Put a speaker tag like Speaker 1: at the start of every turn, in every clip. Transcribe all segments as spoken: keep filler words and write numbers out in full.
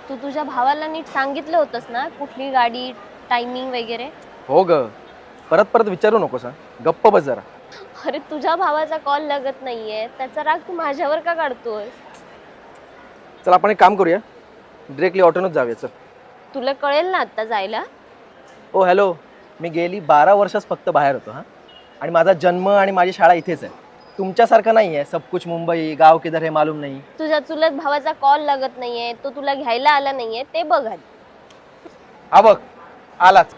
Speaker 1: तू तुझ्या भावाला नीट सांगितलं होतंस ना कुठली गाडी, टायमिंग वगैरे?
Speaker 2: हो ग, परत परत विचारू नकोस हा, गप्प बस जरा.
Speaker 1: अरे तुझ्या भावाचा कॉल लागत नाहीये, त्याचा राग तू माझ्यावर का काढतोय?
Speaker 2: चल आपण एक काम करूया, डिरेक्टली ऑटोनच जाऊया. चल.
Speaker 1: तुला कळेल ना आता जायला.
Speaker 2: ओ हॅलो, मी गेली बारा वर्षच फक्त बाहेर होतो हा, आणि माझा जन्म आणि माझी शाळा इथेच आहे. तुमच्यासारखं नाही आहे सब कुछ मुंबई, गाव किधर हे मालूम नाही.
Speaker 1: तुझ्या चुलत भावाचा कॉल लागत नाहीये, तो तुला घ्यायला आला नाहीये, ते बघ आधी.
Speaker 2: हा बघ आलाच.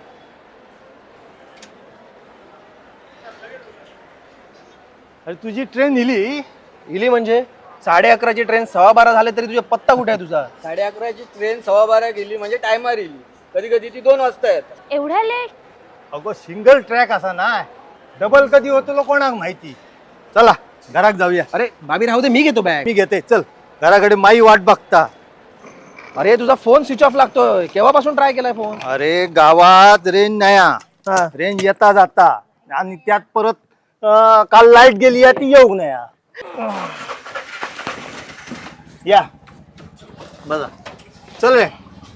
Speaker 3: अरे तुझी ट्रेन इली
Speaker 2: इली म्हणजे साडे अकराची ट्रेन सव्वा बारा झाले तरी तुझा पत्ता कुठे आहे तुझा?
Speaker 4: साडे अकराची ट्रेन सव्वा बारा गेली म्हणजे टायमार येईल. कधी कधी ती दोन वाजता येतात.
Speaker 1: एवढ्या लेट?
Speaker 3: अगो सिंगल ट्रॅक असा ना, डबल कधी होतो लो कोणाक माहिती. चला घराक जाऊया.
Speaker 2: अरे बाबी राहू दे, मी घेतो बॅग.
Speaker 3: मी घेते, चल. घराकडे माई वाट बघता.
Speaker 2: अरे तुझा फोन स्विच ऑफ लागतोय, केव्हापासून ट्राय केलाय फोन?
Speaker 3: अरे गावात रेंज नाही हा.
Speaker 2: हा.
Speaker 3: रेंज येता जाता, आणि त्यात परत अं, काल लाईट गेली आहे ती येऊ नये. या बघा, चल रे.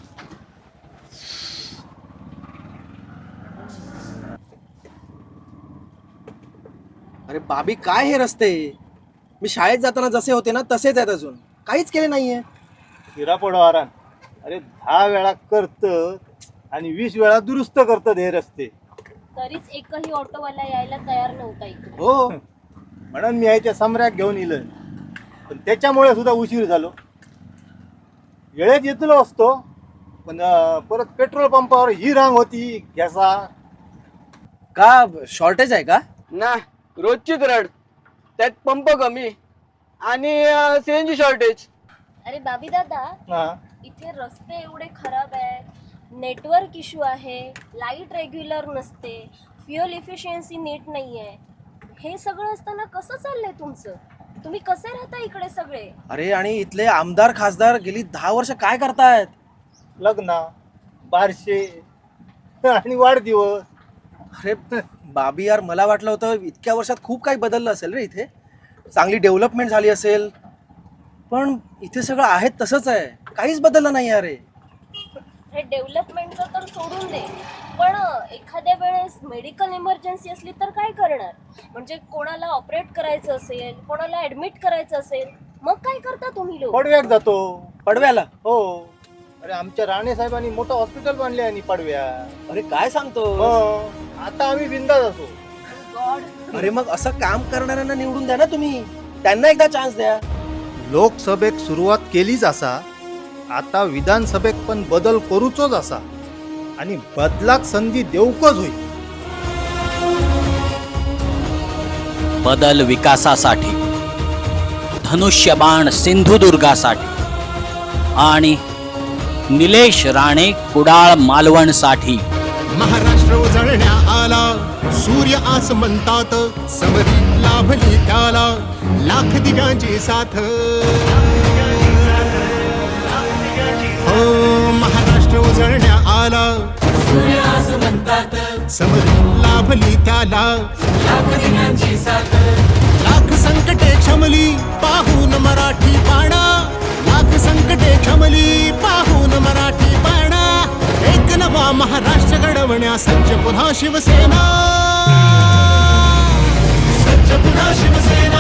Speaker 2: अरे बाबी काय हे रस्ते? मी शाळेत जाताना जसे होते ना तसेच आहेत, अजून काहीच केले नाहीये.
Speaker 3: हिरा पडवारान अरे दहा वेळा करत आणि वीस वेळा दुरुस्त करत हे रस्ते.
Speaker 1: तरीच एकही ऑटोवाला यायला तयार नव्हता इकडे.
Speaker 3: हो, म्हणून मी याच्या सम्राट घेऊन इलोय, पण त्याच्यामुळे सुद्धा उशीर झालो. वेळेत येतलो असतो, पण अं, परत पेट्रोल पंपावर ही रांग होती घ्यासा.
Speaker 2: का शॉर्टेज आहे का?
Speaker 4: ना रोजचीच रड, त्यात पंप कमी आणि सीएनजी शॉर्टेज.
Speaker 1: अरे बाबी दादा,
Speaker 3: हा.
Speaker 1: इथे रस्ते एवढे खराब आहेत, नेटवर्क इश्यू आहे, लाईट रेग्युलर नसते, फ्युअल इफिशियन्सी नीट नाहीये. हे सगळं असताना कसं चाललंय तुमचं? तुम्ही कसे राहता इकडे सगळे?
Speaker 2: अरे आणि इथले आमदार खासदार गेली दहा वर्ष काय करतायत?
Speaker 3: लग्न, बारशे आणि वाढदिवस.
Speaker 2: अरे बाबी यार, मला वाटलं होतं इतक्या वर्षात खूप काही बदललं असेल रे इथे, चांगली डेव्हलपमेंट झाली असेल, पण इथे सगळं आहे तसंच आहे, काहीच बदललं नाही अरे.
Speaker 1: हे डेव्हलपमेंटचं तर सोडून दे, पण एखाद्या वेळेस मेडिकल इमर्जन्सी असली तर काय करणार? म्हणजे कोणाला ऑपरेट करायचं असेल, कोणाला ऍडमिट करायचं असेल, मग काय करता तुम्ही लोक?
Speaker 3: पडव्याक जातो.
Speaker 2: पडव्याला?
Speaker 3: हो. अरे आमच्या राणे साहेबांनी मोठं हॉस्पिटल बांधले आणि पडव्या.
Speaker 2: अरे काय सांगतो?
Speaker 3: हो, आता आम्ही बिंदास असो.
Speaker 1: गॉड.
Speaker 2: अरे मग असं काम करणाऱ्यांना निवडून द्या ना तुम्ही, त्यांना एकदा चान्स द्या.
Speaker 3: लोकसभेक सुरुवात केलीच असा, आता विधानसभेक पण बदल करूचोच असा, आणि बदलाक संधी देऊकच होईल.
Speaker 5: बदल विकासासाठी, धनुष्यबाण सिंधुदुर्गासाठी आणि निलेश राणे कुडाळ मालवणसाठी.
Speaker 6: महाराष्ट्र उजळण्या आला, सूर्य आस म्हणतात, समरी लाभली त्याला लाख दिव्यांची साथ. हो, महाराष्ट्र उजळण्या आला, सूर्य आस म्हणतात, समरी लाभली त्याला लाख दिव्यांची साथ. लाख संकटे क्षमली पाहून मराठी बाणा, लाख संकटे क्षमली पाहून मराठी बाणा. एक नवा महाराष्ट्र घडवण्या सज्ज पुन्हा शिवसेना, सज्ज पुन्हा शिवसेना.